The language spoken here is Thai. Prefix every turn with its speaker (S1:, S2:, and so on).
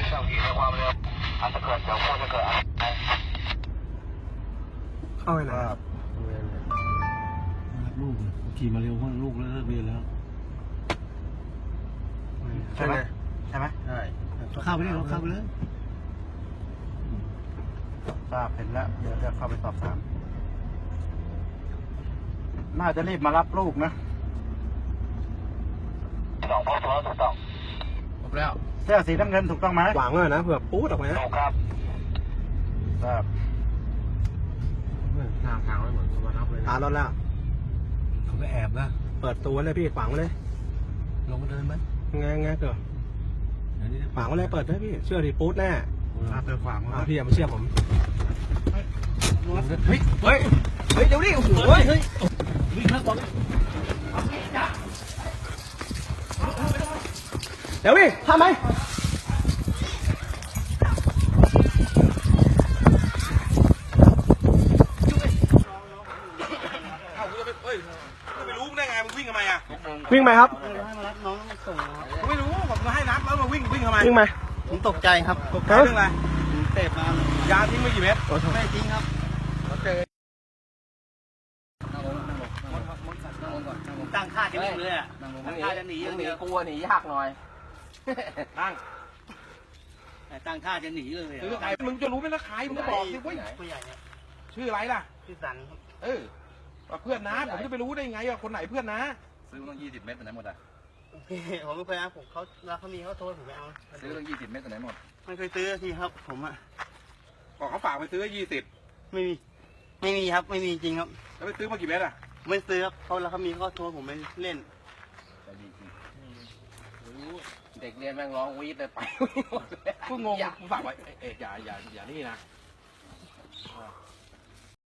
S1: ขับขี่ในความเร็วอาจจะเกิดเดี๋ยวควรจะเกิดอะไร
S2: เข้าไปไหน
S3: รับลูกขี่มาเร็วเพราะลูกเลิกเรียนแล้ว
S2: ใช่ไหม
S3: ใช่เข้าไปเลยเข้าไปเลย
S2: ทราบเห็นแล้วเดี๋ยวจะเข้าไปสอบถามน่าจะรีบมารับลูกนะ
S1: ถูกต้องถูกต้อง
S3: ครบแล้ว
S2: เสื้อสีน้ำเงินถูกต้องไหม
S4: หวังเลยนะเผื่อปูดออกมา
S1: ถูกครับ
S2: ทราบ
S3: หน้าทางไว้เหมือนเขามารับเลย
S4: ตารถแล้ว
S3: เขาไปแอบนะ
S4: เปิดตัวเลยพี่ขวางไว้เลย
S3: ลงมาเดินไหม
S4: ไงเกิดขวางไว้เลยเปิดได้พี่เชื่อดิปูดแน่
S2: เจอขวาง
S4: พี่อย่ามาเชื่อผม
S3: เฮ้ยเดี๋ยวนี้โอ้โหเฮ้ยวิ่งแล้วตอนนี้
S4: เดี๋ยวพี่ทำไม
S3: ไม่รู้ได้ไงมึงวิ่งทำไมอ่ะ
S4: วิ่งไหมครับ
S2: ให้มารับน้องส่ง
S3: ไม่รู้ผมจะให้นับแล้วมาวิ่งทำไม
S4: วิ่งไหม
S2: ผมตกใจครับ
S3: ตกใจเรื่องอะไร
S2: เตะมาย
S3: าทิ้งไปกี่เม็ด
S2: ไม่จริงครับ
S3: เจอ
S2: ตั้งท่าจะหนีเลยอ่ะตั้งท่าจะหนีอย่างเดียว
S4: กลัวหนียากหน่อย
S2: ตั้งท่าจะหนีเลย
S3: ซื้อใครมึงจะรู้ไหมนะใครมึงก็บอกสิเว้ย
S2: ผู้ใหญ่เนี่ย
S3: ชื่ออะไรล่ะ
S2: ชื่อสัน
S3: เพื่อนนะผมจะไปรู้ได้ไงว่าคนไหนเพื่อนนะ
S5: ซื้อต้อง20 เม็ดตัวไหนหมดอ่ะ
S2: ผมไม่เคยนะผมเขามีเขาโทรผมไปเอา
S5: ซื้อต้อง20 เม็ดตัวไหนหมด
S2: ไม่เคยซื้อทีครับผมอ่ะ
S3: บอกเขาฝากไปซื้อ20
S2: ไม่มีครับไม่มีจริงครับ
S3: แล้วไปซื้อมากี่เม็ดอ่ะ
S2: ไม่ซื้อครับเขามีเขาโทรผมไปเล่น
S4: เด็กเรียนแม่งร้องวีดเลยไป
S3: กูงงกูฝากไว้อย่านี่นะ